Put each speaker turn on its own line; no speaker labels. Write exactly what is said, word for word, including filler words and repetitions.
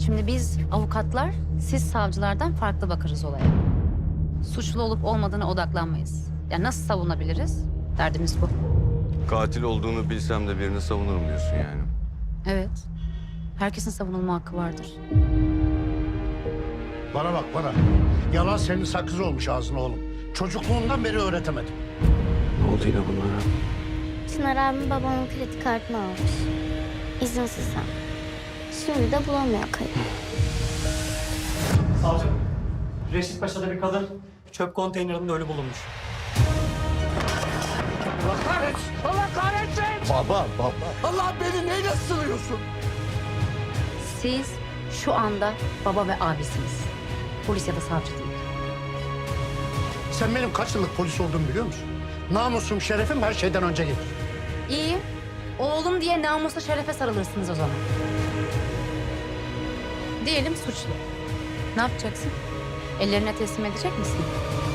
Şimdi biz avukatlar, siz savcılardan farklı bakarız olaya. Suçlu olup olmadığına odaklanmayız. Yani nasıl savunabiliriz? Derdimiz bu.
Katil olduğunu bilsem de birini savunurum diyorsun yani.
Evet. Herkesin savunulma hakkı vardır.
Bana bak bana. Yalan senin sakız olmuş ağzına oğlum. Çocukluğundan beri öğretemedim.
Ne oldu yine bunlara?
Çınar abim babamın kredi kartını almış. İzinsiz hem. Şimdi de bulamıyor kayıp.
Savcım, Reşit Paşa'da bir kadın çöp konteynerinde ölü bulunmuş.
Allah kahretsin! Allah kahretsin! Baba, baba. Allah beni neyle sınıyorsun?
Siz şu anda baba ve abisiniz. Polis ya da savcı değil.
Sen benim kaç yıllık polis olduğumu biliyor musun? Namusum, şerefim her şeyden önce gelir.
İyi. Oğlum diye namusla şerefe sarılırsınız o zaman. Diyelim suçlu. Ne yapacaksın? Ellerine teslim edecek misin?